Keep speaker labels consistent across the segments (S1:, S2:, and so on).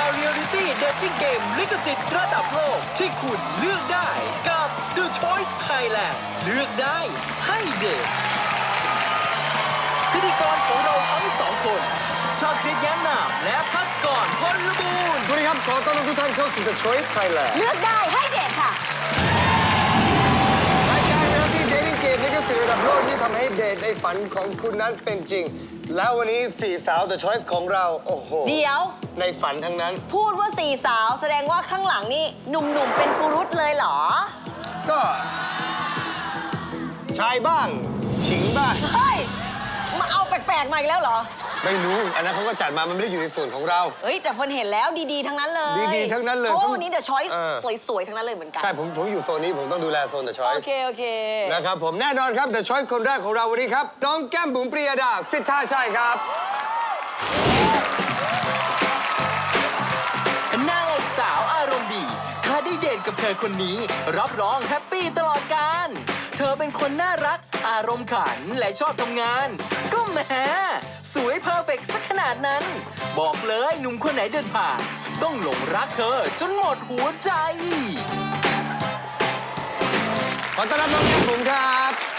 S1: ายเรียลลิตี้เดทติ้งเกมลิขสิทธิ์ระดับโลกที่คุณเลือกได้กับ The Choice Thailand เลือกได้ให้เดทพิธีกรของเราทั้งสองคนชาคริตแย้มนามและพัสกรพลบูรณ์
S2: สวัสดีครับขอต้อนรับทุกท่านเข้าสู่ The Choice Thailand
S3: เลือกได้ให้เดทค่ะ
S2: รายการเรียลลิตี้เดทติ้งเกมลิขสิทธิ์ระดับโลกที่ทำให้เดทในฝันของคุณนั้นเป็นจริง แล้ววันนี้สี่สาว The Choice ของเราโอ้โห
S3: เดี๋ยว
S2: ในฝันทั้งนั้น
S3: พูดว่าสี่สาวแสดงว่าข้างหลังนี่หนุ่มๆเป็นกูรุตเลยเหรอ
S2: ก็ชายบ้างฉิงบ้าง
S3: เฮ้ย มาเอาแปลกๆมาอีกแล้วเหรอ
S2: ไม่รู้อันนั้นเขาก็จัดมามันไม่ได้อยู่ในส่วนของเรา
S3: เฮ้ยแต่ฝนเห็นแล้วดีๆทั้งนั้นเลย
S2: ดีๆทั้งนั้นเลย
S3: เพราะว่าวันนี้เดอะช้อยส์
S2: เออ
S3: สวยๆทั้งนั้นเลยเหมือนกัน
S2: ใช่ผมอยู่โซนนี้ผมต้องดูแลโซน The
S3: โอ
S2: Choice
S3: เค
S2: นะครับผมแน่นอนครับ The Choice คนแรกของเราวันนี้ครับน้องแก้มบุ๋มปรียดาสิทธาชัยครับ
S1: นางเอกสาวอารมณ์ดีถ้าได้เดทกับเธอคนนี้รับรองแฮปปี้ตลอดกาลเธอเป็นคนน่ารักอารมณ์ขันและชอบทำงาน ก็แหมสวยเพอร์เฟกต์สักขนาดนั้น บอกเลยหนุ่มคนไหนเดินผ่านต้องหลงรักเธอจนหมดหัวใจ
S2: ขอต้อนรับน้องแก้มบุ๋มครับ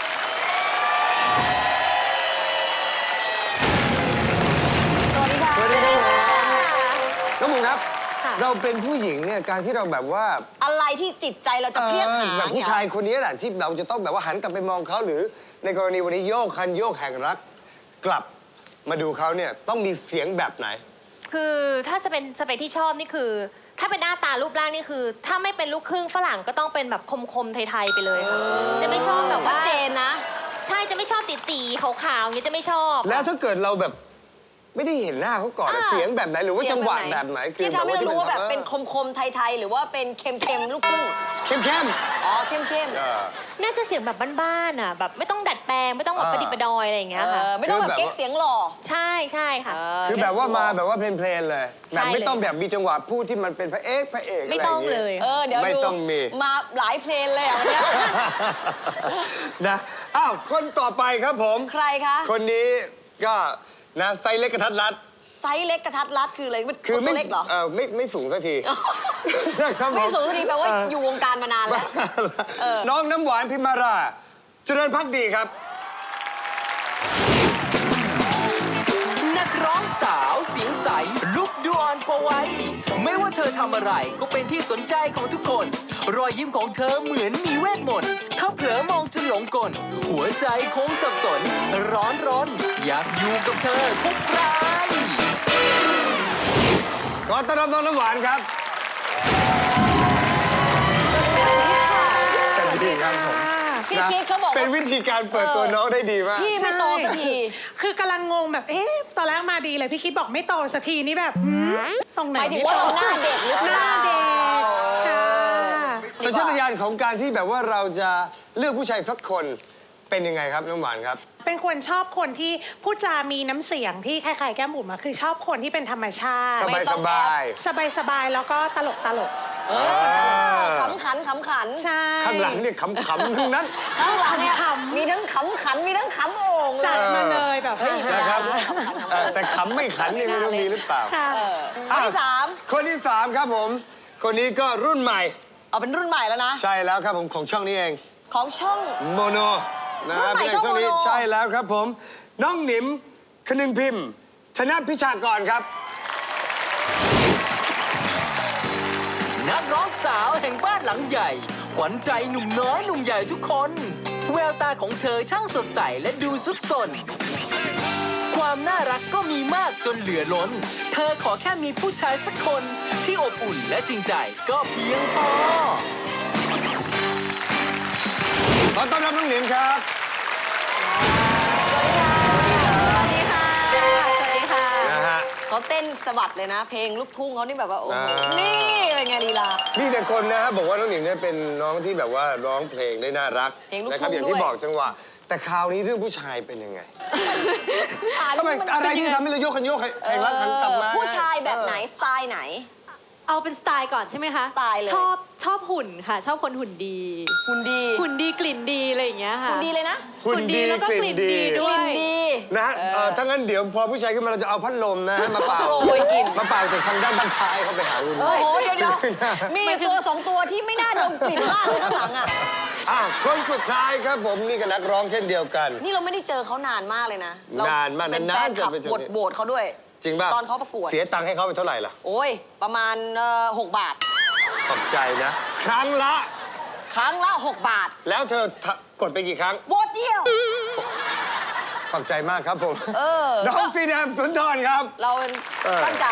S3: สวัสดีค่ะ
S2: สวัสดีครับน้องบุ๋มครับ เราเป็นผู้หญิงเนี่ยการที่เราแบบว่า
S3: อะไรที่จิตใจเราจะเพรียดหา
S2: แบบผู้ชายคนนี้แหละที่เราจะต้องแบบว่าหันกลับไปมองเขาหรือในกรณีวันนี้โยกคันโยกแห่งรัก กลับมาดูเขาเนี่ยต้องมีเสียงแบบไหน
S4: คือถ้าจะเป็นสเปคที่ชอบนี่คือ ถ้าเป็นหน้าตารูปร่างนี่คือ ถ้าไม่เป็นลูกครึ่งฝรั่งก็ต้องเป็นแบบคมๆไทยๆไปเลยค่ะจะไม่ชอบแบบ
S3: ชัด
S4: ว่า
S3: เจนนะ
S4: ใช่จะไม่ชอบตีๆขาวๆอย่างเงี้ยจะไม่ชอบ
S2: แล้วถ้าเกิดเราแบบไม่ได้เห็นหน้าเขาก่อนอะเสียงแบบไหนหรือว่าจังหวะแบบไหน
S3: ที่ทำให้เรารู้ว่าแบบเป็น
S2: ค
S3: คมๆไทยๆหรือว่าเป็นเค็มๆลูกครึ่ง
S2: เข้ม
S3: อ๋อเข้ม
S4: น่าจะเสียงแบบบ้านๆอ่ะแบบไม่ต้องดัดแปลงไม่ต้องแบบประดิษฐ์ประดอยอะไรอย่าง
S3: ๆ
S4: เงี้ยค่ะ
S3: ไม่ต้องแบบเก๊กเสียงหล่อ
S4: ใช่ใช่ค่ะ
S2: คือแบบว่ามาแบบว่าเพลนๆเลย
S4: ใช่
S2: แบบไม่ต้อง
S4: เลย
S2: แบบมีจังหวะพูดที่มันเป็นพระเอกอะไร
S4: ไม่
S2: อย่า
S4: ต้อง
S2: งเงี้
S4: เลย
S3: เดี๋ยว
S2: ไม่
S3: ดู
S2: ต้องมี
S3: มาหลายเพลงเลยอ่ะวันเนี้ย
S2: นะอ้าวคนต่อไปครับผม
S3: ใครคะ
S2: คนนี้ก็นะไซส์เล็กกระทัดรัด
S3: ไซส์เล็กกระทัดรัดคืออะไรมัน
S2: คือ
S3: ตัวเล็กเหรอ
S2: ไม่สูงสักทีนะครับผ
S3: ไม่สูงสักทีแปลว่าอยู่วงการมานานแล้ว
S2: น้องน้ำหวานพิมารา เจริญพักดีครับ
S1: นักร้องสาวเสียงใสลุกดูอ่อนกว่าวัยไม่ว่าเธอทำอะไรก็เป็นที่สนใจของทุกคน รอยยิ้มของเธอเหมือนมีเวทมนต์ถ้าเผลอมองจนหลงกลหัวใจคงสับสน ร้อนรนอยากอยู่กับเธอทุกราย
S2: ขอต้อนรับน้องน้ำหวานครับสวัสดีครับผม
S3: พี่คิดเขาบอกว่า
S2: เป็นวิธีการเปิดตัวน้องได้ดีมาก
S3: พี่ไม่โตสักที
S5: คือกำลังงงแบบ ตอนแรกมาดีเลยพี่คิดบอกไม่โตสักทีนี่แบบตรงไหน
S3: หมายถึงว่าเราหน้าเด็กหรือเป
S5: หน้า
S3: ล่า
S5: เด็กค่ะ
S2: สัญชาตญาณของการที่แบบว่าเราจะเลือกผู้ชายสักคนเป็นยังไงครับน้ำหวานครับ
S5: เป็นคนชอบคนที่พูดจามีน้ำเสียงที่คล้ายๆแก้มบุ๋มอะคือชอบคนที่เป็นธรรมชาติ
S2: สบาย
S3: ต้
S2: ส
S3: องแอ
S2: บาย
S5: สบายๆแล้วก็ตลก
S3: ขำขันขำขัน
S5: ๆใช่
S2: ข้างหลังเนี่ยขำๆทั้งนั้น
S3: ข้างหลังเนี่ย
S5: ขำๆ
S3: มีทั้งขำขันมีทั้งขำโอ่งเล
S5: จั
S3: ย
S5: ดมาเลยแบบ
S2: นะครับแต่ขำไม่ขันนี่ไม่รู้มีหรือเปล่า
S5: ค่ะ
S3: คนที่สาม
S2: คนที่สามครับผม คนนี้ก็รุ่นใหม่
S3: เอาเป็นรุ่นใหม่แล้วนะ
S2: ใช่แล้วครับผมของช่องนี้เอง
S3: ของช่อง
S2: โมโนนะ
S3: รุ่นใหม่
S2: เป็น
S3: ช่อง
S2: นี้
S3: โมโน
S2: ใช่แล้วครับผม น้องหนิมคนึงพิมพ์ ธนพิชากรครับ
S1: นักร้องสาวแห่งบ้านหลังใหญ่ ขวัญใจหนุ่มน้อยหนุ่มใหญ่ทุกคน แววตาของเธอช่างสดใสและดูซุกซน ความน่ารักก็มีมากจนเหลือล้น เธอขอแค่มีผู้ชายสักคนที่อบอุ่นและจริงใจก็เพียงพอ
S2: ขอต้อนรับน้องหนิมครับ
S3: สวัสดีค่ะ
S4: สวัสดีค่ะ
S2: นะฮะ
S3: เขาเต้นสะบัดเลยนะ เพลงลูกทุ่งเขานี่แบบว่าโอ้โห
S2: นี่
S3: นี่เป็นไงลีลา
S2: มีแต่คนนะฮะบอกว่าน้องหนิมเนี่ยเป็นน้องที่แบบว่าร้องเพลงได้น่ารัก
S3: เพลงลูก
S2: นะครั
S3: ทุ่ง
S2: อย่างที่
S3: ด้วย
S2: บอกจังหวะแต่คราวนี้เรื่องผู้ชายเป็นยังไง
S3: อ่าน
S2: ทำไม
S3: มัน
S2: อะไรที่ทำให้เราโยกคันโยกแห่งรักหันกลับมา
S3: ผู้ชายแบบไหนสไตล์ไหน
S6: เอาเป็นสไตล์ก่อนใช่ไหมคะ
S3: สไตล์เลย
S6: ชอบชอบหุ่นค่ะ ชอบคนหุ่นดี
S3: หุ่นดี
S6: หุ่นดีกลิ่นดีอะไรอย่างเงี้ยค่ะ
S3: หุ่นดีเลยนะ
S2: หุ่นดี
S6: แล้วก็
S2: ก
S6: ก
S2: ลิ่
S6: ลิ่
S2: น
S6: น
S2: ดี
S6: ดี
S3: ก
S6: ด้ว
S3: ลิ่
S6: ย
S3: นดี
S2: นะฮะถ้างั้นเดี๋ยวพอผู้ชายขึ้นมาเราจะเอาพัดลมนะฮะมาเป่า
S3: โปรยกลิ่น
S2: มาเป่าจากทางด้านบ้านท้ายเขาไปหาคุณ
S3: โอ้โห เดี๋ยวมีอยู่ตัวสองตัวที่ไม่น่าดมกลิ่นมากเลยข้างหลังอ่ะ
S2: คนสุดท้ายครับผมนี่ก็นักร้องเช่นเดียวกัน
S3: นี่เราไม่ได้เจอเขานานมากเลยนะเร
S2: นานมาก
S3: เป็น
S2: นานๆ
S3: แฟนคลับ
S2: จะไปเจอ
S3: โหวตเขาด้วย
S2: จริงป่ะ
S3: ตอนเขาประกวด
S2: เสียตังค์ให้เขาไปเท่าไหร่ล่ะ
S3: โอ้ย ประมาณ6 บาท
S2: ขอบใจนะ ครั้งละ
S3: ครั้งละ 6 บาท
S2: แล้วเธอกดไปกี่ครั้ง
S3: โหวตเดียว
S2: ขอบใจมากครับผม
S3: เออ
S2: น้องซีแนมสุนทรครับ
S3: เราเป็นตั้งใจ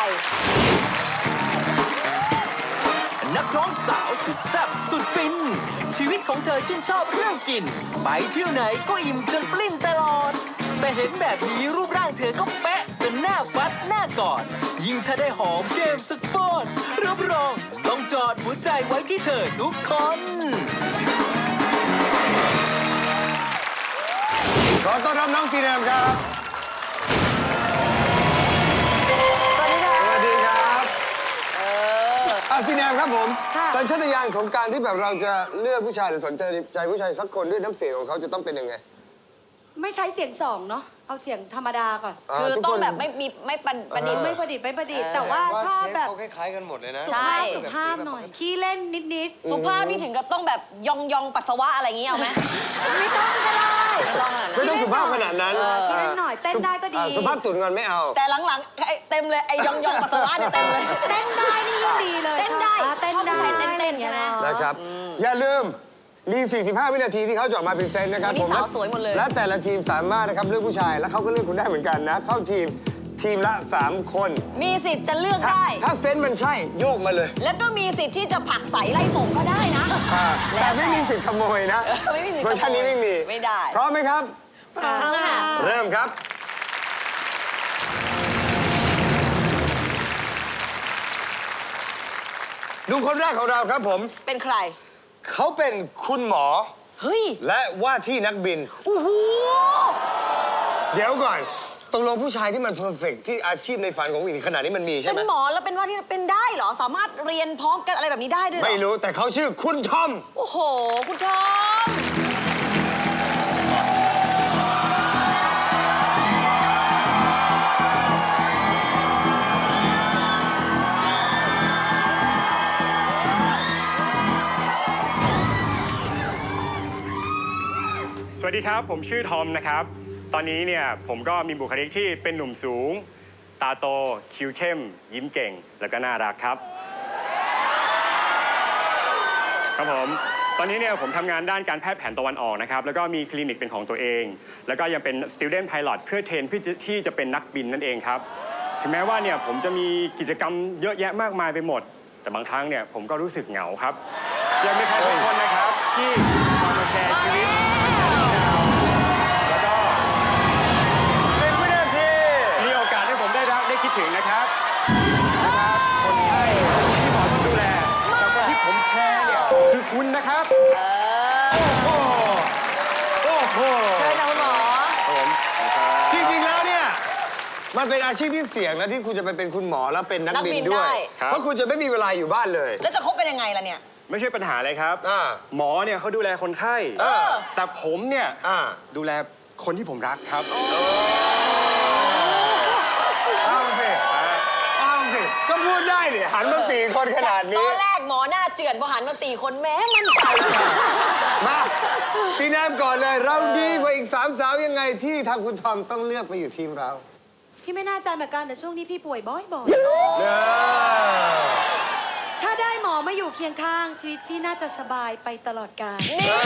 S1: นักร้องสาวสุดแซ่บสุดฟิน ชีวิตของเธอชื่นชอบเรื่องกิน ไปเที่ยวไหนก็อิ่มจนปลิ้นตลอด แต่เห็นแบบนี้รูปร่างเธอก็เป๊ะจนหน้าฟัดหน้ากอด ยิ่งถ้าได้หอมเกมสักฟอดรับรองต้องจอดหัวใจไว้ที่เธอทุกคน
S2: ขอต้อนรับน้องซีแนมครับ สวัสดีครับซีแนมครับผม สัญชาตญาณของการที่แบบเราจะเลือกผู้ชายหรือสนใจผู้ชายสักคนด้วยน้ำเสียงของเขาจะต้องเป็นยังไง
S7: ไม่ใช้เสียงสองเนาะ เอาเสียงธรรมดาก่อน
S3: คือ
S2: ทุก
S3: ต้อ
S2: ค
S3: ง
S2: น
S3: แบบไม่ประดิษฐ์
S7: ไม่ประดิษฐ์ไม่ประดิษฐ์แต่ว่าชอบแบบ
S2: เขาคล้ายๆกันหมดเลยนะ
S3: ใช่
S7: สุภาพหน่อย ขี้เล่นนิด
S3: สุภาพนี่ถึงกับต้องแบบยองปัสสาวะอะไรอย่างงี้เอาไหม
S7: ๆ ไม่ต้องก็ได้
S3: ไม่ต้องขนาด
S2: ไม่
S3: นั้น
S2: ต้องสุภาพขนาดนั้น
S7: ขี้เล่นหน่อย เต้นได้ก็ดี
S2: สุภาพตุ่นเงินไม่เอา
S3: แต่หลังๆเต็มเลยไอ้ยองปัสสาวะเนี่ยเต็มเลย
S7: เต้นได้นี่ยิ่งดีเลย
S3: เต้นได้
S7: เต้น
S3: ชอบ
S7: ได้
S3: ผู้ชายเต้นๆใช่ไหม
S2: นะครับ อย่าลืม มี 45 วินาทีที่เขาจะออกมาพรีเซนต์นะครับ
S3: วันนี้
S2: ผม
S3: สาวสวยหมดเลย
S2: และแต่ละทีมสามารถนะครับเลือกผู้ชาย แล้วเขาก็เลือกคุณได้เหมือนกันนะ เข้าทีมละ 3 คน
S3: มีสิทธิ์จะเลือกได้
S2: ถ้าเซนส์มันใช่โยกมาเลย
S3: แล้วก็มีสิทธิ์ที่จะผลักใสไล่ส่งก็ได้นะ
S2: แต่ไม่มีสิทธิ์ขโมยนะ
S3: ไม่มีสิทธิ์
S2: เวอร์ชันนี้ไม่มี
S3: ไม่ได้
S2: พร้อมไหมครับ
S4: เอาค่ะ
S2: เริ่มครับ ดูคนแรกของเราครับผม
S3: เป็นใคร
S2: เขาเป็นคุณหมอ
S3: เฮ้ย
S2: และว่าที่นักบิน
S3: โอ้โห
S2: เดี๋ยวก่อนตกลงผู้ชายที่มันเพอร์เฟกที่อาชีพในฝันของผู้หญิงขนาดนี้มันมีใช่
S3: เป็
S2: ไหม
S3: นหมอแล้วเป็นว่าที่เป็นได้เหรอ สามารถเรียนพร้อมกันอะไรแบบนี้ได้ด้วยเหรอ
S2: ไม่รู้แต่เขาชื่อคุณทอม
S3: โอ้โห คุณทอม
S8: สวัสดีครับ ผมชื่อทอมนะครับ ตอนนี้เนี่ยผมก็มีบุคลิกที่เป็นหนุ่มสูง ตาโต คิ้วเข้ม ยิ้มเก่ง แล้วก็น่ารักครับ ครับผม ตอนนี้เนี่ยผมทำงานด้านการแพทย์แผนตะวันออกนะครับ แล้วก็มีคลินิกเป็นของตัวเอง แล้วก็ยังเป็น student pilot เพื่อเทรนเพื่อที่จะเป็นนักบินนั่นเองครับ ถึงแม้ว่าเนี่ยผมจะมีกิจกรรมเยอะแยะมากมายไปหมด แต่บางครั้งเนี่ยผมก็รู้สึกเหงาครับยังมีใครบางคนนะครับที่มาแชร์ชีวิต แล้วก็
S2: 10 วินาที
S8: มีโอกาสให้ผมได้รักได้คิดถึงนะครับคนไข้ที่หมอต้องดูแลแต่คนที่ผมแคร์เนี่ยคือคุณนะครับ
S2: โอ้โห
S3: เชิญนะคุณหมอ
S2: จริงๆแล้วเนี่ยมันเป็นอาชีพที่เสี่ยงนะที่คุณจะไปเป็นคุณหมอแล้วเป็นนักบินด้วย
S8: ครับ
S2: เพราะคุณจะไม่มีเวลาอยู่บ้านเลย
S3: แล้วจะคบกันยังไงล่ะเนี่ย
S8: ไม่ใช่ปัญหาเลยครับ หมอเนี่ยเขาดูแลคนไข้ แต่ผมเนี่ย ดูแลคนที่ผมรักครับ
S2: เอาสิก็พูดได้เนี่ยหันมา4 คนขนาด
S3: ต
S2: นี้
S3: อนแรกหมอหน้าเจือนพอหันมา4 คนแม้มันใจ
S2: มาพี่แนมก่อนเลย เราดีกว่าอีก3 สาวยังไงที่ทางคุณทอมต้องเลือกไปอยู่ทีมเรา
S7: พี่ไม่น่าใจเหมือนกันแต่ช่วงนี้พี่ป่วยบ่อย
S2: เนอะ
S7: ๆ ถ้าได้หมอมาอยู่เคียงข้าง ชีวิตพี่น่าจะสบายไปตลอดกาล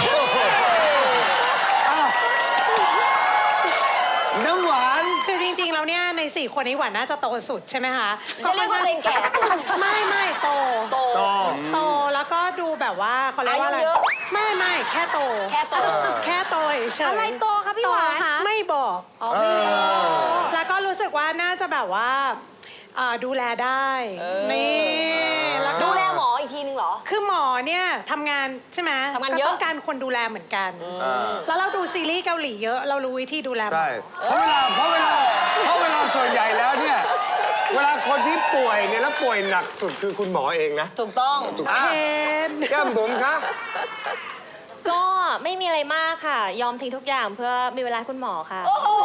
S2: น้ำหวาน
S5: คือจริงๆ แล้วเนี่ยใน4 คนนี้หวานน่าจะโตสุดใช่ไหมคะ
S3: จะเรียกว่าตัวเองแก่สุด
S5: ไม่โต
S3: โต
S5: โตแล้วก็ดูแบบว่าเขาเรียกว่าอะไร
S3: อายุเยอะ
S5: ไม่แค่โต
S3: แค่โต
S5: แค่โตเฉยๆ
S7: อะไรโตคะพี่หวาน
S4: โตคะ
S5: ไม่บอกแล้วก็รู้สึกว่าน่าจะแบบว่าดูแลได้นี่แล้วก็
S3: ดูแลหมออีกทีนึงเหรอ
S5: คือหมอเนี่ยทำงานใช่ไหม
S3: ทำงานเยอะ
S5: ก็ต้องการคนดูแลเหมือนกัน แล้วเราดูซีรีส์เกาหลีเยอะเรารู้วิธีดูแลหมอ
S2: ใช่ เพราะเวลาส่วนใหญ่แล้วเนี่ยเวลาคนที่ป่วยเนี่ยแล้วป่วยหนักสุดคือคุณหมอเองนะ
S3: ถูกต้อง
S2: อ่ะแก้มบุ๋มคะ
S4: ก็ไม่มีอะไรมากค่ะ ยอมทิ้งทุกอย่างเพื่อมีเวลาให้คุณหมอค่ะ
S3: โอ้โห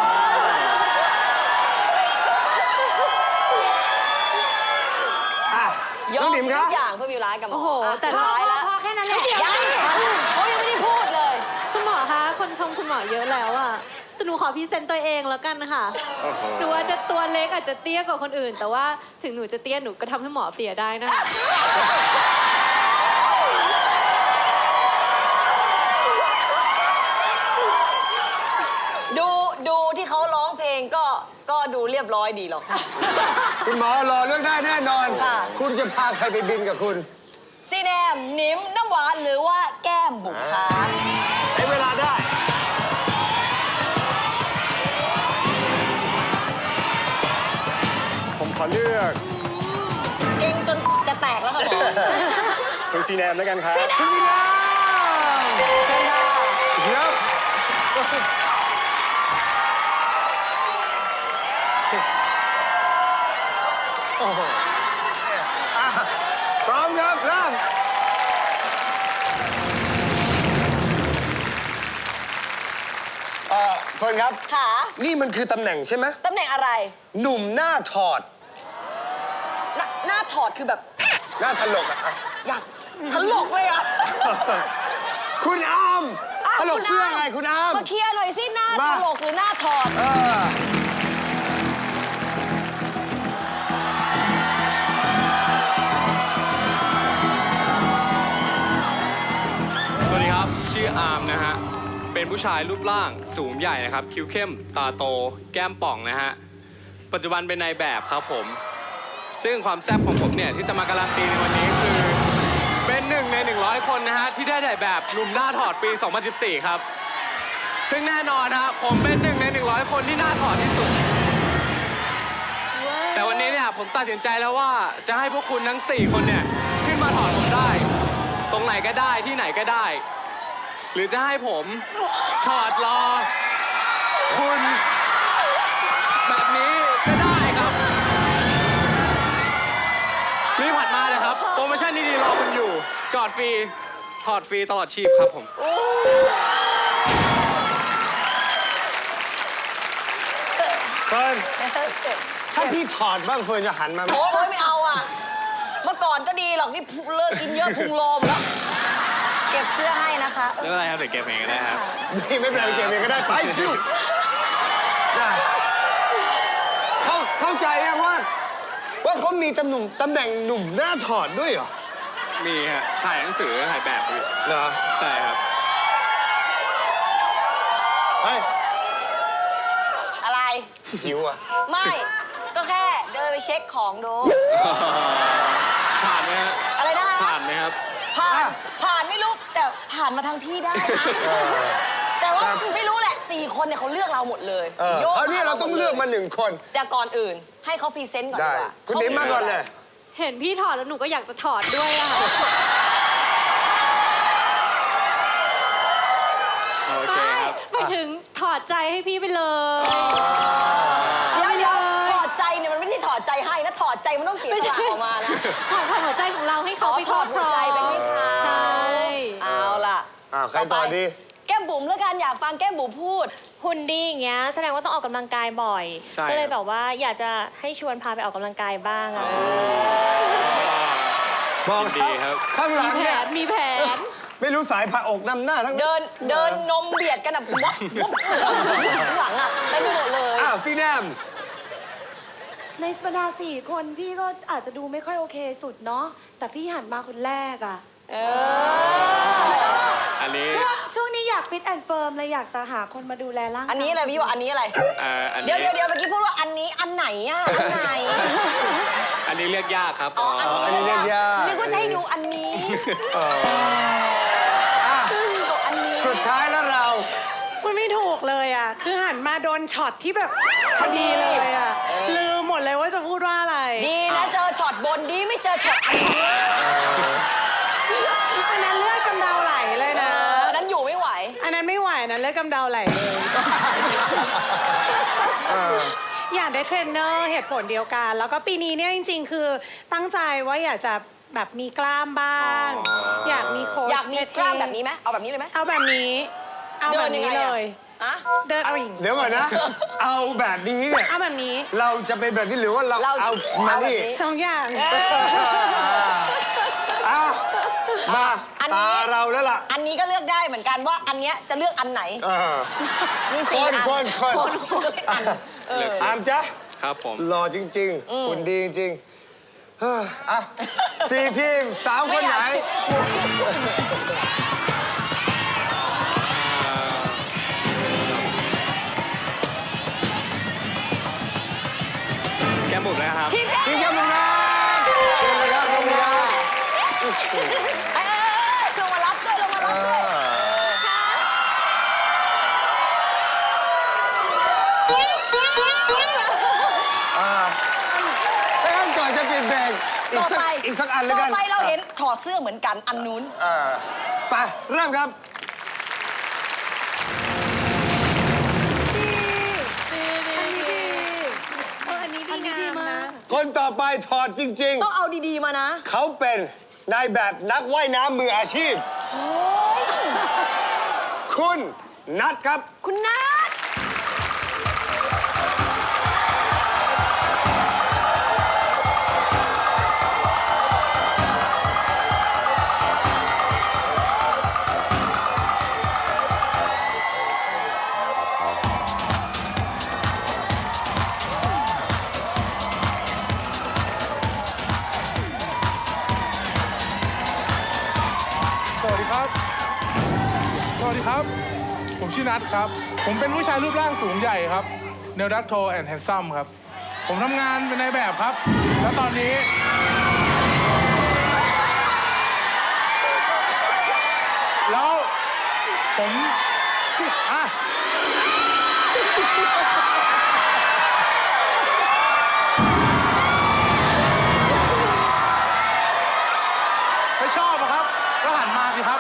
S2: อ่ะ
S3: ยอ
S2: น้อง
S3: ม
S2: หนิม
S3: ทุ
S2: คะ
S3: กอย่างเพื่อมีเวลากับหมอ
S6: โอ้โห
S3: แต่
S6: แต่
S3: ท้ายแล้ว
S7: พอแค่นั้นแหละ
S3: ยังเขายังไม่ได้พูดเลย
S6: คุณหมอคะ คนชมคุณหมอเยอะแล้วอะแต่หนูขอพรีเซนต์ตัวเองแล้วกันนะคะหนูอาจจะตัวเล็กอาจจะเตี้ยกว่าคนอื่น แต่ว่าถึงหนูจะเตี้ยหนูก็ทำให้หมอเปลี่ยได้นะคะ
S3: ดูที่เขาร้องเพลงก็ดูเรียบร้อยดีหรอกค่ะ
S2: คุณหมอรอเรื่องได้แน่นอน
S3: ค่ะ
S2: คุณจะพาใครไปบินกับคุณ
S3: ซีแนมหนิมน้ำหวานหรือว่าแก้มบุ๋มคะ
S2: ใช้เวลาได้
S8: ผมขอเลือก
S3: เก่งจนจะแตกแล้วค่ะหมอ
S8: คุณซีแนมแล้วกันครับ
S2: คุณพี่น้
S3: เชิญค่ะ
S2: ำเดี๋ยวโอ้โหอ่ะพร้อมครับเริ่มเฟิร์นครับ
S3: ขา
S2: นี่มันคือตำแหน่งใช่ไหม
S3: ตำแหน่งอะไร
S2: หนุ่มหน้าถอด
S3: หน้าถอดคือแบบ
S2: หน้าถลกอ่ะ
S3: อยากถลกเลยอ่ะ
S2: คุณอาม
S3: ะ
S2: ถลก
S3: คุณ
S2: เสื้อไงคุณอาม
S3: มาเคลียร์หน่อยสิหน้า
S2: มา
S3: ถลกหรือหน้าถอด
S2: เออ
S9: สวัสดีครับ ชื่ออาร์มนะฮะ เป็นผู้ชายรูปร่างสูงใหญ่นะครับ คิ้วเข้ม ตาโต แก้มป่องนะฮะ ปัจจุบันเป็นนายแบบครับผม ซึ่งความแซ่บของผมเนี่ย ที่จะมาการันตีในวันนี้คือ เป็น1 ใน 100 คนนะฮะ ที่ได้ถ่ายแบบหนุ่มหน้าถอดปี 2014 ครับ ซึ่งแน่นอนนะผมเป็น1 ใน 100 คนที่หน้าถอดที่สุด แต่วันนี้เนี่ยผมตัดสินใจแล้วว่าจะให้พวกคุณทั้ง 4 คนเนี่ยขึ้นมาถอดผมได้ ตรงไหนก็ได้ที่ไหนก็ได้ หรือจะให้ผมถอดรอ คุณแบบนี้ก็ได้ครับรีบผัดมาเลยครับโปรโมชั่นดีๆรอคุณอยู่กอดฟรีถอดฟรีตลอดชีพครับผม
S2: เฟิร์นถ้าพี่ถอดบ้างเฟิร์นจะหันมาไหม
S3: โอ้ยไม่เอาอ่ะ เมื่อก่อนก็ดีหรอกนี่เลิกกินเยอะพุงโลมแล้ว เก็บเสื้อให้นะคะ
S9: ไม่เป็นไรครับเดี๋ยวเก็บเองก็ได้ครับ
S2: นี่ไม่เป็นไรเก็บเองก็ได้ไปชิวได้เข้าใจยังว่าเขามีตำแหน่งหนุ่มหน้าถอดด้วยเหรอ
S9: มีฮะถ่ายหนังสือถ่ายแบบอยู่
S2: เหรอ
S9: ใช่ครับ
S2: เฮ้ย
S3: อะไร
S2: หิวอ่ะ
S3: ไม่ ก็แค่เดินไปเช็คของดู
S9: ผ่านไหมฮะ
S3: อะไรนะคะ
S9: ผ่านไหมครับ
S3: ผ่านไม่รู้แต่ผ่านมาทางพี่ได้นะ แต่ว่าไม่รู้แหละ4 คนเนี่ยเขาเลือกเราหมดเลย โยก
S2: คราวนี้เราต้องเลือกมา1 คน
S3: แต่ก่อนอื่นให้เขาพรีเซนต์ก่อนดี
S2: ได้
S3: กว่า
S2: คุณหนิมมาก่อนเลย
S6: เห็นพี่ถอดแล้วหนูก็อยากจะถอดด้วยอะค่ะ
S9: โอเคครับ
S6: ไปถึงถอดใจให้พี่ไปเลย
S3: เดี๋ยวถอดใจเนี่ยมันไม่ใช่ถอดใจให้นะถอดใจมันต้องเสียสละออกมานะ
S6: ถอดหัวใจของเราให้เขา
S3: อ๋อ
S6: ไป
S3: ถอดหัวใจไปให้เขา
S6: ใช่
S3: เอาล่ะ
S2: ใครต่อดี
S3: แก้มบุ๋มแล้วกันอยากฟังแก้มบุ๋มพูด
S4: หุ่นดีอย่างเงี้ยแสดงว่าต้องออกกำลังกายบ่อย
S9: ใช่
S4: ก็เลย
S9: ครับ
S4: แบบว่าอยากจะให้ชวนพาไปออกกำลังกายบ้างอะ
S2: บอก
S9: ยินดีครับ
S2: ข้างหลัง
S6: แผ
S2: เนี่ย
S6: นมีแผน
S2: ไม่รู้สายผ่าอกนำหน้าทั้งนั้น
S3: เดินนมเบียดกันแบบวับข้างหลังอ่ะเต็มไปหมดเลย
S2: อ้าวซีแนม
S7: ในบรรดา4 คนพี่ก็อาจจะดูไม่ค่อยโอเคสุดเนาะแต่พี่หันมาคนแรกอะ
S9: อันนี้
S7: ช่วงนี้อยากฟิตแอนด์เฟิร์มเลยอยากจะหาคนมาดูแลร่างกาย
S3: อันนี้อะไรพี่ว่าอันนี้อะไร
S9: อัน
S3: เดี๋
S9: นี้
S3: ยวเมื่อกี้พูดว่าอันนี้อันไหนอ่ะอันไหน
S9: อันนี้เลือกยากครับ
S3: อ๋ออัน
S2: อันนี้
S3: นี้
S2: เรียกยาก
S3: นึกว่าจะให้ดูอันนี้
S2: อ่ะ
S3: อันนี้
S2: สุดท้ายแล้วเรา
S5: มันไม่ถูกเลยอ่ะ คือหันมาโดนช็อตที่แบบพอดีเลยอ่ะ ลืมหมดเลยว่าจะพูดว่าอะไร
S3: ดีนะเจอช็อตบนดีไม่เจอช็อตอันนี้
S5: อันนั้นเลือดกำเดาไหลเลยนะ
S3: อันนั้นอยู่ไม่ไหว
S5: อันนั้นไม่ไหวนะเลือดกำเดาไหลเลยอยากได้เทรนเนอร์เหตุผลเดียวกัน แล้วก็ปีนี้เนี่ยจริงๆ คือตั้งใจว่าอยากจะแบบมีกล้ามบ้าง อยากมีโค้ช
S3: อยากมีกล้ามแบบนี้ไหมเอาแบบนี้เลยไหม
S5: เอาแบบนี้ เอาแบบนี้เลย
S3: อะ
S5: เดินเอาอย่างนี้
S2: เดี๋ยวก่อนนะ เอาแบบนี้เนี่ย
S5: เอาแบบนี้
S2: เราจะเป็นแบบนี้หรือว่าเราเอามานี่
S5: สองอย่าง
S2: อ่ะมา
S3: อัน
S2: ตา
S3: นี้
S2: เราแล้วล่ะ
S3: อันนี้ก็เลือกได้เหมือนกันว่าอันเนี้ยจะเลือกอันไหน
S2: เออ
S3: มี
S2: ค
S3: สี่
S2: น
S3: อัน
S2: คน
S3: ก็เลือกอัน
S2: อามจ๊ะ
S9: ครับผม
S2: หล่อจริงๆหุ่นดีจริงๆเฮ้ออ่ะ4 ทีมสาวคนไหน
S9: แก้มบุ๋มเลยครับ
S3: ทีมแรก
S2: ทีมแก้มบุ๋มนะเชิญเลยครับลงมา
S3: ลงมารับด้วยลงมารับด้วย
S2: ถ้างั้นก่อนจะเปลี่ยนแบงอีกสักอันแล้วกัน
S3: ต่อไปเราเห็นถอดเสื้อเหมือนกันอันนู้น
S2: ไปเริ่มครับ
S5: อันนี้ดีมาก
S2: คนต่อไปถอดจริง
S3: ต้องเอาดีๆมานะ
S2: ๆ เขาเป็นนายแบบนักว่ายน้ำมืออาชีพ คุณนัทครับ
S3: คุณนัท
S10: สวัสดีครับ สวัสดีครับ ผมชื่อนัทครับ ผมเป็นผู้ชายรูปร่างสูงใหญ่ครับ เนลดักโทแอนด์แฮนซัมครับ ผมทำงานเป็นนายแบบครับ แล้วตอนนี้ แล้วผมอ่ะไม่ชอบอะครับ ก็หันมาสิครับ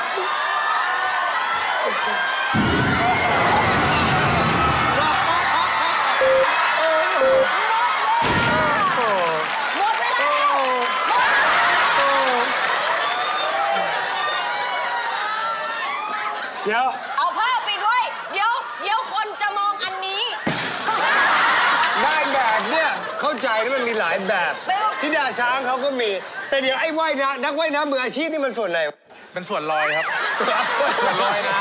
S3: หมดเวลาแล้ว
S2: เดี๋ยว
S3: เอาผ้าปิดไว้ เดี๋ยวคนจะมองอันนี้
S2: นายแบบเนี่ยเข้าใจนะมันมีหลายแบบ
S3: ไม่ว่า
S2: ที่ดาช้างเขาก็มี แต่เดี๋ยวไอ้ว่ายน้ำนักว่ายน้ำมืออาชีพนี่มันส่วนไหน
S10: เป็นส่วนลอยครับ
S2: ส่วน
S10: ลอยน้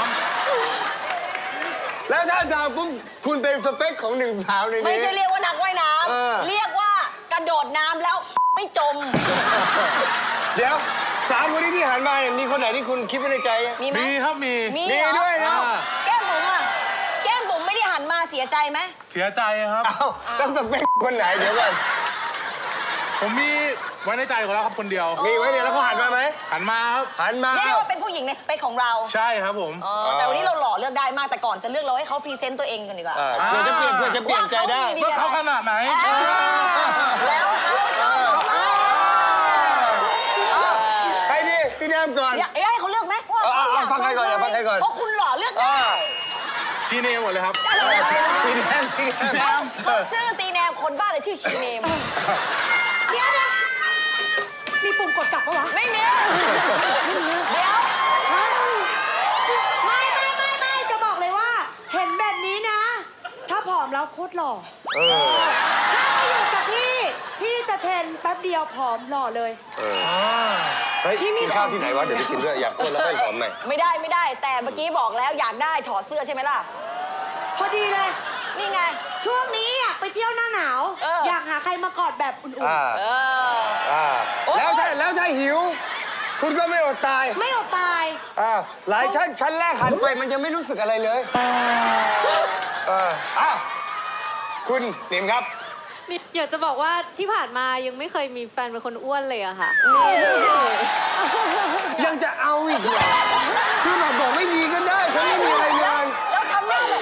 S2: แล้วถ้าอาจารย์ปุ๊บคุณเป็นสเปคของหนึ่งสาวในนี้
S3: ไม่ใช่เรียกว่านักว่ายน้
S2: เออ
S3: ำเรียกว่ากระโดดน้ำแล้วไม่จม
S2: เดี๋ยวสามคนนี้ที่หันมาเนี่ยมีคนไหนที่คุณคิดไว้ในใจไหม
S3: มี
S10: ำ
S3: ไหม
S10: มีครับมี
S3: มี
S2: มี
S3: เหรอ
S2: ด้วยนะ
S3: เอ้าแก้มบุ๋มอ่ะ แก้มบุ๋มไม่ได้หันมาเสียใจไหม
S10: เสียใจครับ
S2: เอ้าแล้วสเปคคนไหนเดี๋ยวก่อน
S10: ผมมีไว้ในใจของเราครับคนเดียว
S2: มีไว้เนี่ยแล้วเขาหันมาไหม
S10: หันมาครับ
S2: หันมา
S3: เรียกได้ว่าเป็นผู้หญิงในสเปคของเรา
S10: ใช่ครับผม
S3: แต่วันนี้เราหล่อเลือกได้มาก แต่ก่อนจะเลือกเราให้เขาพรีเซนต์ตัวเองกันดีกว่า
S2: เพื่อจะเปลี่ยนใจได้
S3: ว่าเขามีดี
S10: ว่าเขาขนาดไหน
S3: แล้วเขาชอบเราไหม
S2: ใครดีพี่แนมก่อน
S3: อยากให้เขาเลือกไหมว่าเขาอยาก
S2: ฟังใครก่อนอย่าฟังใครก่อน
S3: เพราะคุณหล่อเลือกได้
S10: ชี้เนมหมดเลยครับ
S2: สีแดง
S3: เขาชื่อซีแนมคนบ้าเลยชื่อชีเนมเดี๋ยวนะ
S7: มีปุ่มกดกลับปะวะ
S3: ไม่มีเดี๋ยว
S7: ไม่จะบอกเลยว่า เห็นแบบนี้นะ ถ้าผอมแล้วโคตรหล่อถ้าไม่อยู่กับพี่จะเทรนแป๊บเดียวผอมหล่อเลย
S2: เฮ้ยกินข้าวที่ไหนวะเดี๋ยวไปกินด้วยอยากอ้วนแล้วก็ผอมหน่อย
S3: ไม่ได้ แต่เมื่อกี้บอกแล้วอยากได้ถอดเสื้อใช่ไหมล่ะ
S7: พอดีเลย
S3: นี่ไง
S7: ช่วงนี้อยากไปเที่ยวหน้าหนาว อยากหาใครมากอดแบบอุ่น
S3: เออ โอ๊ย
S2: แล้วถ้าหิว คุณก็ไม่อดตาย
S7: ๆ ไม่อดตาย
S2: หลายชั้นแรกหันไปมันยังไม่รู้สึกอะไรเลยคุณหนิมครับ
S6: อยากจะบอกว่าที่ผ่านมายังไม่เคยมีแฟนเป็นคนอ้วนเลยอะค่ะ
S2: ยังจะเอาอีกเหรอคือแบบบอกไม่ดีก็ได้ฉันไม่มีอะไรเลย
S3: แล้วทำหน้าแบบ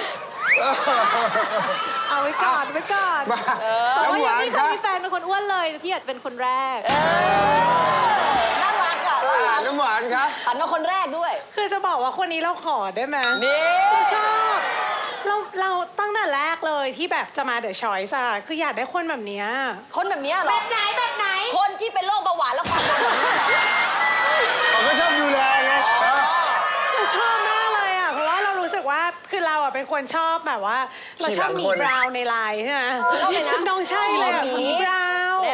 S6: เอาไว้ก่อนไว้ก่อน
S2: มา
S6: แต่
S2: น้ำ
S6: ว่า
S2: ห
S6: ยัง
S2: วาน
S6: ไม่
S2: ค
S6: เคย
S2: รับ
S6: มีแฟนเป็นคนอ้วนเลยพี่อยากจะเป็นคนแรก
S3: น่ารักอ่ะน่ารัก
S2: น้ำหวานครับ
S3: หันมาคนแรกด้วย
S5: คือจะบอกว่าคนนี้เราขอได้ไหม
S3: นี่
S5: เราชอบเราตั้งแต่แรกเลยที่แบบจะมาเดอะชอยส์อะคืออยากได้คนแบบเนี้ย
S3: คนแบบเนี้ยเหรอ
S7: แบบไหนแบบไหน
S3: คนที่เป็นโรคเบาหวานแล้วความดัน
S2: เขาก็ชอบดูแลไง
S5: เราชอบมากเลยอะเพราะว่าเรารู้สึกว่าคือเราอะเป็นคนชอบแบบว่า เราชอบหมีบราวน์ในไลน์ใช่ไหม
S3: ชอบเลยนะ
S5: น้องใช่เลยแบบหมีบราวน์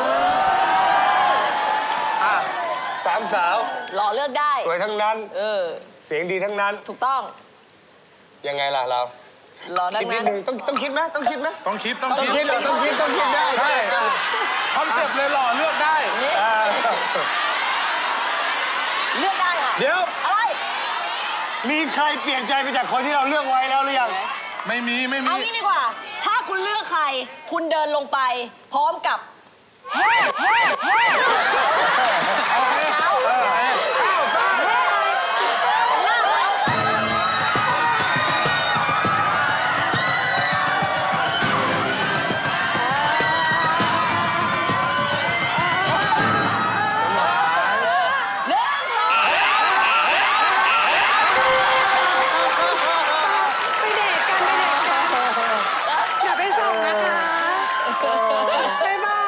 S2: อ่ะสามสาว
S3: หล่อเลือกได้
S2: สวยทั้งนั้น เสียงดีทั้งนั้น
S3: ถูกต้อง
S2: ยังไงล่ะเรา
S3: หล่อดั
S2: คิ
S3: ง
S2: ดนิ
S3: นั้
S2: ด
S3: น
S2: นึงต้องคิดไหมต้องคิดไหม
S10: ต้องคิด
S2: ต้องคิดเหรอต้องคิดได้
S10: ใช่คอนเซ็ปต์เลยหล่อเลือกได้
S3: นี่
S2: อ่า
S3: เลือกได้ค่ะ
S2: เดี๋ยว
S3: อะไร
S2: มีใครเปลี่ยนใจไปจากคนที่เราเลือกไว้แล้วหรือยัง
S10: ไม่มี
S3: เอางี้ดีกว่า ถ้าคุณเลือกใคร คุณเดินลงไป พร้อมกับเฮ้เฮ้เฮ้เท้าหน้าเขาหนึ่งสอง
S5: ไปเดทกันอย่าไปส่งนะคะบ๊ายบาย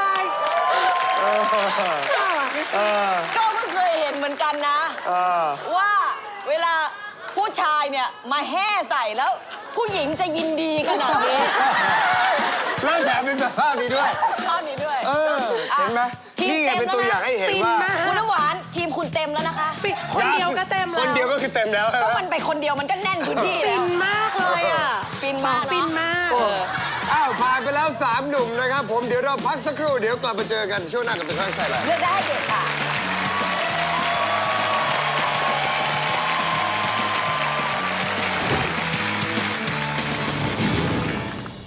S3: ก็เพิ่งเคยเห็นเหมือนกันนะ ว่าเวลาผู้ชายเนี่ยมาแห่ใส่แล้ว ผู้หญิงจะยินดีขนาดนี้
S2: แล้วแถมเป็นแบบภาพนี้ด้วย
S3: ตอนนี้ด้วย
S2: เห็นไหม
S3: ทีม
S2: นี่ไง
S3: เต็ม
S2: เป็นตัวอย่างให้เห็น
S5: ฟิน
S2: ว่า
S5: มาก
S3: คุณน้ำหวานทีมคุณเต็มแล้วนะคะ
S5: คนเดียวก็เต็มแล้ว
S2: คนเดียวก็คือเต็มแล้ว
S3: ก็มันไปคนเดียวมันก็แน่นพื้นที่
S5: ฟิ
S3: แล้ว
S5: นมากเลยอ่ะ
S3: ฟินมากเนอะ
S5: ฟินมาก
S2: อ้าวผ่านไปแล้ว 3 หนุ่มนะครับผมเดี๋ยวเราพักสักครู่เดี๋ยวกลับมาเจอกันช่วงหน้ากับตัวช่างใส่อะไร
S3: เลือกได้ให้เด็กค่ะ